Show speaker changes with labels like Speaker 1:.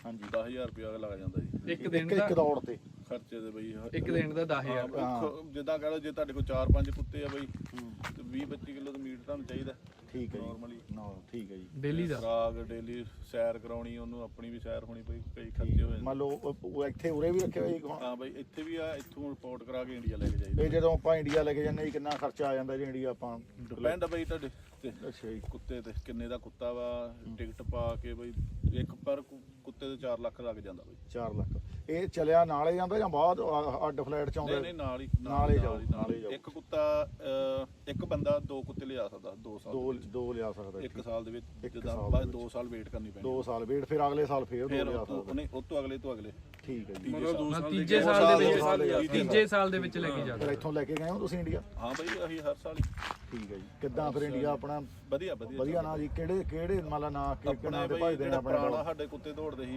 Speaker 1: ਹਾਂਜੀ
Speaker 2: 10000 ਰੁਪਇਆ ਲੱਗ ਜਾਂਦਾ ਜੀ
Speaker 3: ਇੱਕ ਦਿਨ
Speaker 1: ਇੱਕ
Speaker 3: ਦਾ
Speaker 1: ਦੌੜ ਤੇ
Speaker 2: ਖਰਚੇ ਦੇ ਬਈ
Speaker 3: ਇੱਕ ਦਿਨ ਦਾ 10000
Speaker 2: ਜਿੱਦਾਂ ਕਹ ਲਓ ਜੇ ਤੁਹਾਡੇ ਕੋਲ 4-5 ਕੁੱਤੇ ਆ ਬਈ ਤੇ 20-25 ਕਿਲੋ ਦਾ ਮੀਟ ਤੁਹਾਨੂੰ ਚਾਹੀਦਾ
Speaker 1: ਠੀਕ ਹੈ
Speaker 2: ਨਾਰਮਲੀ
Speaker 1: ਜੀ ਠੀਕ ਹੈ ਜੀ
Speaker 3: ਡੇਲੀ ਦਾ
Speaker 2: ਖੁਰਾਕ ਡੇਲੀ ਸੈਰ ਕਰਾਉਣੀ ਉਹਨੂੰ ਆਪਣੀ ਵੀ ਸੈਰ ਹੋਣੀ ਪਈ ਕਈ ਖਰਚੇ ਹੋ ਜਾਂਦੇ
Speaker 1: ਮੰਨ ਲਓ ਉਹ ਇੱਥੇ ਉਰੇ ਵੀ ਰੱਖਿਆ ਹੋਇਆ ਜੀ ਹੁਣ
Speaker 2: ਹਾਂ ਬਈ ਇੱਥੇ ਵੀ ਆ ਇੱਥੋਂ ਰਿਪੋਰਟ ਕਰਾ ਕੇ ਇੰਡੀਆ ਲੈ ਕੇ ਜਾਈਦਾ
Speaker 1: ਇਹ ਜਦੋਂ ਆਪਾਂ ਇੰਡੀਆ ਲੈ ਕੇ ਜਾਂਦੇ ਜੀ ਕਿੰਨਾ ਖਰਚਾ ਆ ਜਾਂਦਾ ਜੀ ਇੰਡੀਆ ਆਪਾਂ
Speaker 2: ਡਿਪੈਂਡ ਆ ਬਈ ਤੁਹਾਡੇ ਤੇ
Speaker 1: ਅੱਛਾ ਜੀ
Speaker 2: ਕੁੱਤੇ ਤੇ ਕਿੰਨੇ ਦਾ ਕੁੱਤਾ ਵਾ ਟਿਕਟ ਪਾ ਕੇ ਬਈ ਇੱਕ ਪਰ ਕੁੱਤੇ ਤੇ 4 ਲੱਖ ਲੱਗ ਜਾਂਦਾ ਬਈ
Speaker 1: 4 ਲੱਖ ਇਹ ਚਲਿਆ ਨਾਲੇ ਜਾਂਦਾ ਜਾਂ ਬਾਅਦ ਅੱਡ ਫਲੈਟ ਚ ਆਉਂਦਾ
Speaker 2: ਨਹੀਂ ਨਾਲ ਹੀ
Speaker 1: ਨਾਲ ਹੀ ਜਾਓ
Speaker 2: ਇੱਕ ਕੁੱਤਾ ਇੱਕ ਬੰਦਾ 2 ਕੁੱਤੇ ਲਿਆ ਸਕਦਾ 2 ਸਾਲ
Speaker 1: ਦੋ ਲਿਆ ਸਕਦਾ
Speaker 2: ਇੱਕ ਸਾਲ ਦੇ ਵਿੱਚ
Speaker 1: ਇੱਕ
Speaker 2: ਜਿੱਦਾਂ
Speaker 1: ਸਾਲ
Speaker 2: ਬਾਅਦ 2 ਸਾਲ ਵੇਟ ਕਰਨੀ ਪੈਂਦੀ
Speaker 1: 2 ਸਾਲ ਵੇਟ ਫਿਰ ਅਗਲੇ ਸਾਲ ਫੇਰ ਦੋ
Speaker 2: ਫਿਰ
Speaker 1: ਲਿਆ ਸਕਦਾ
Speaker 2: ਉਹਨੇ ਉਹ ਤੋਂ ਅਗਲੇ
Speaker 1: ਠੀਕ ਹੈ ਜੀ
Speaker 3: ਤੀਜੇ ਸਾਲ ਦੇ ਵਿੱਚ ਲੈ ਕੇ
Speaker 1: ਫਿਰ
Speaker 3: ਜਾਂਦਾ
Speaker 1: ਇੱਥੋਂ ਲੈ ਕੇ ਗਏ ਹੋ ਤੁਸੀਂ ਇੰਡੀਆ
Speaker 2: ਹਾਂ ਬਈ ਅਸੀਂ ਹਰ ਸਾਲ ਹੀ
Speaker 1: ਠੀਕ ਹੈ ਜੀ ਕਿੱਦਾਂ ਫਿਰ ਇੰਡੀਆ ਆਪਣਾ
Speaker 2: ਵਧੀਆ
Speaker 1: ਵਧੀਆ ਨਾ ਜੀ ਕਿਹੜੇ ਮੰਨ ਲਾ ਨਾ ਕਿਹੜੇ
Speaker 2: ਆਪਣੇ
Speaker 1: ਨਾਂ ਦੇ
Speaker 2: ਬਈ
Speaker 1: ਭਜਦੇ ਨੇ
Speaker 2: ਜਿਹੜਾ
Speaker 1: ਆਪਣੇ
Speaker 2: ਪੁਰਾਣਾ ਸਾਡੇ ਕੁੱਤੇ ਦੌੜਦੇ ਸੀ